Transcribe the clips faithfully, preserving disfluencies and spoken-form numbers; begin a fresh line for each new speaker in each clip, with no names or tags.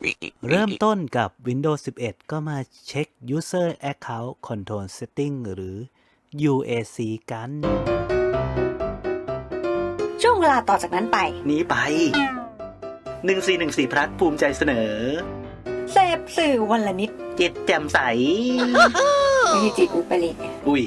เริ่มต้นกับ Windows สิบเอ็ด ก็มาเช็ค User Account Control Setting หรือ ยู เอ ซี กัน
ช่วงเวลาต่อจากนั้นไป
นี้ไป หนึ่งสี่หนึ่งสี่ พลัสภูมิใจเสนอ
เสพสื่อวันละนิด
จิตแจ่มใส
ไม่ใช่จิตอุปริต
อุ้ย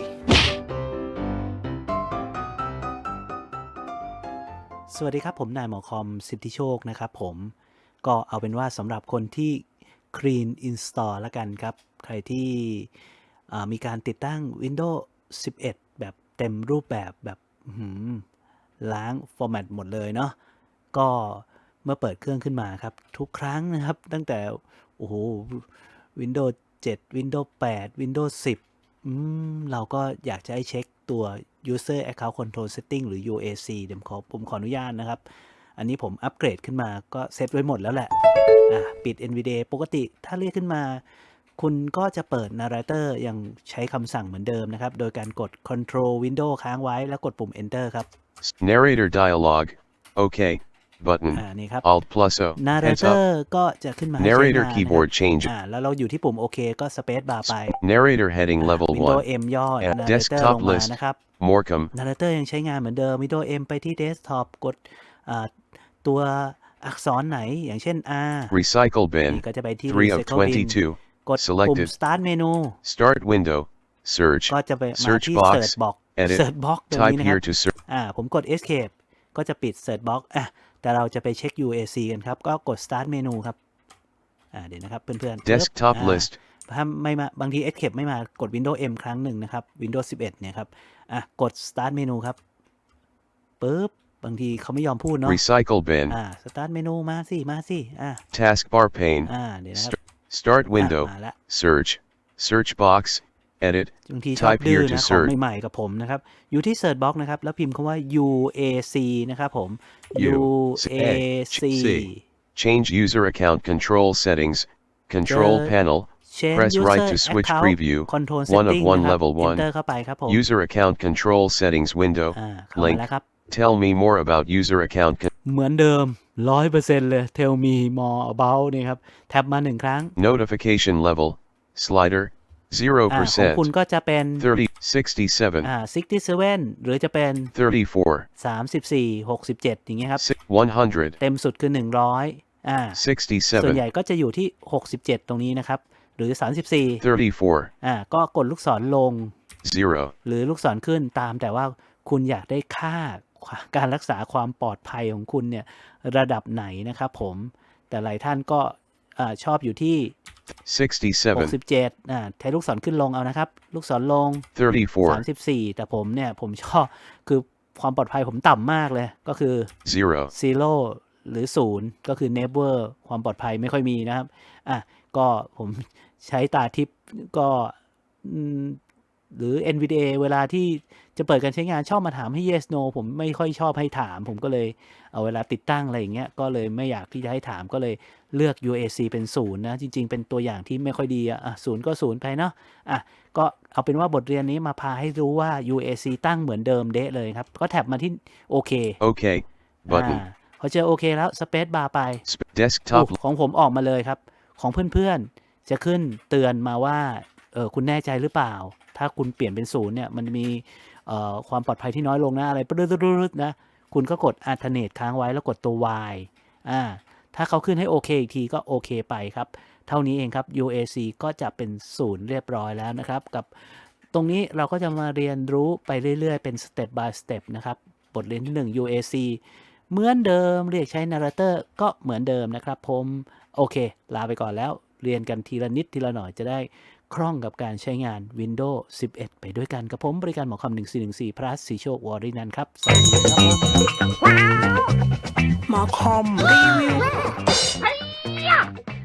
สวัสดีครับผมนายหมอคอมสิทธิโชคนะครับผมก็เอาเป็นว่าสำหรับคนที่ Clean Install ละกันครับใครที่มีการติดตั้ง Windows สิบเอ็ด แบบเต็มรูปแบบแบบล้างฟอร์แมตหมดเลยเนาะก็เมื่อเปิดเครื่องขึ้นมาครับทุกครั้งนะครับตั้งแต่โอ้โห Windows เจ็ด Windows แปด Windows สิบอืมเราก็อยากจะให้เช็คตัว User Account Control Setting หรือ ยู เอ ซี เดี๋ยวขอผมขออนุญาตนะครับอันนี้ผมอัปเกรดขึ้นมาก็เซตไว้หมดแล้วแหละอ่ะปิด เอ็น วี ดี เอ ปกติถ้าเรียกขึ้นมาคุณก็จะเปิด Narrator ยังใช้คำสั่งเหมือนเดิมนะครับโดยการกด Control Window ค้างไว้แล้วกดปุ่ม Enter ครับ
Narrator dialog OK button Alt plus O
Narrator ก็จะขึ้นมา
Narrator keyboard change
อ่าแล้วเราอยู่ที่ปุ่ม OK ก็ Space Bar ไป
Narrator heading level
Windows
1
M ย่อ Narrator
Desktop
ลงมา
list
นะครับ
Morecambe
Narrator ยังใช้งานเหมือนเดิม Windows M ไปที่ Desktop กดตัวอักษรไหนอย่างเช่น R
Recycle bin
ก็จะไปที่
three of
Recycle bin
twenty-two
กดปุ่ม
selected
Start Menu
Start window Search
ก็จะไปมา
Search
ที่
box
Search Box
Edit
Search Box ตรงนี้
Type
นะครั
here
บ
to search
อ่าผมกด Escape ก็จะปิด Search Box อ่ะแต่เราจะไปเช็ค ยู เอ ซี กันครับก็กด Start Menu ครับอ่าเดี๋ยวนะครับเพื่อนๆ
Desktop
อ่า
list
ถ้าไม่มาบางที Escape ไม่มากด Windows M ครั้งหนึ่งนะครับ Windows สิบเอ็ดเนี่ยครับอ่ะกด Start Menu ครับปึ๊บบางทีเขาไม่ยอมพูดเนาะ
Recycle bin
อ่า Start Menu มาสิมาสิอ่า
Taskbar pane
อ่าเดี๋ยวนะครับ
Start window
มาละ
Search Search box Edit
บางทีชอบ
Type
ดื้อ
here to
นะของ
search
ใหม่ๆกับผมนะครับอยู่ที่ Search Box นะครับแล้วพิมพ์คำว่า ยู เอ ซี นะครับผม
U
ยู เอ ซี
Change user account control settings Control
เจอ
panel
Change
Press right
User
to switch
Account
preview
Control
one of
Setting
one
นะครับ
level one
Enter เข้าไปครับผม
User account control settings window
อ่าเข้ามา
Link
แล้วครับ
Tell me more about user account con-
เหมือนเดิม ร้อยเปอร์เซ็นต์ เลย Tell me more about นี่ครับแท็บมาหนึ่งครั้ง
Notification level Slider zero
อ่าของ
percent
คุณก็จะเป็น
thirty sixty-seven
อ่าหกสิบเจ็ดหรือจะเป็น
thirty-four
สามสิบสี่ หกสิบเจ็ดอย่างเงี้ยครับ
one hundred
เต็มสุดคือหนึ่งร้อยอ่าส่วน
sixty-seven
ใหญ่ก็จะอยู่ที่หกสิบเจ็ดตรงนี้นะครับหรือสามสิบสี่
thirty-four
อ่าก็กดลูกศรลง
zero
หรือลูกศรขึ้นตามแต่ว่าคุณอยากได้ค่าการรักษาความปลอดภัยของคุณเนี่ยระดับไหนนะครับผมแต่หลายท่านก็ชอบอยู่ที่หก
sixty-seven
สิบเจ็ดอ่าใช้ลูกศรขึ้นลงเอานะครับลูกศรลง
thirty-four
สามสิบสี่แต่ผมเนี่ยผมชอบคือความปลอดภัยผมต่ำมากเลยก็คือ
zero
zero หรือศูนย์ก็คือ never ความปลอดภัยไม่ค่อยมีนะครับอ่ะก็ผมใช้ตาทิพย์ก็หรือ เอ็น วี ดี เอ เวลาที่จะเปิดการใช้งานชอบมาถามให้ yes no ผมไม่ค่อยชอบให้ถามผมก็เลยเอาเวลาติดตั้งอะไรอย่างเงี้ยก็เลยไม่อยากที่จะให้ถามก็เลยเลือก ยู เอ ซี เป็นศูนย์นะจริงๆเป็นตัวอย่างที่ไม่ค่อยดีอ่ะศูนย์ก็ศูนย์ไปเนาะอ่ะก็เอาเป็นว่าบทเรียนนี้มาพาให้รู้ว่า ยู เอ ซี ตั้งเหมือนเดิมเดะเลยครับก็แท็บมาที่โอเค
OK button
พอเจอโอเคแล้วสเปซบาร์ไป
Desktop
ของผมออกมาเลยครับของเพื่อนๆจะขึ้นเตือนมาว่าเออคุณแน่ใจหรือเปล่าถ้าคุณเปลี่ยนเป็นศูนย์เนี่ยมันมีเอ่อความปลอดภัยที่น้อยลงนะอะไรปึ๊ดๆๆนะคุณก็กด alternate ค้างไว้แล้วกดตัว Y อ่าถ้าเขาขึ้นให้โอเคอีกทีก็โอเคไปครับเท่านี้เองครับ ยู เอ ซี ก็จะเป็นศูนย์เรียบร้อยแล้วนะครับกับตรงนี้เราก็จะมาเรียนรู้ไปเรื่อยๆเป็น step by step นะครับบทเรียนที่หนึ่ง ยู เอ ซี เหมือนเดิมเรียกใช้ Narrator ก็เหมือนเดิมนะครับผมโอเคลาไปก่อนแล้วเรียนกันทีละนิดทีละหน่อยจะได้คล่องกับการใช้งาน Windows สิบเอ็ด ไปด้วยกันกับผมบริการหมอคำหนึ่งสี่หนึ่งสี่ plus สีโชควอรินันท์ครับสวัสดีครับ
หมอคอมรีวิว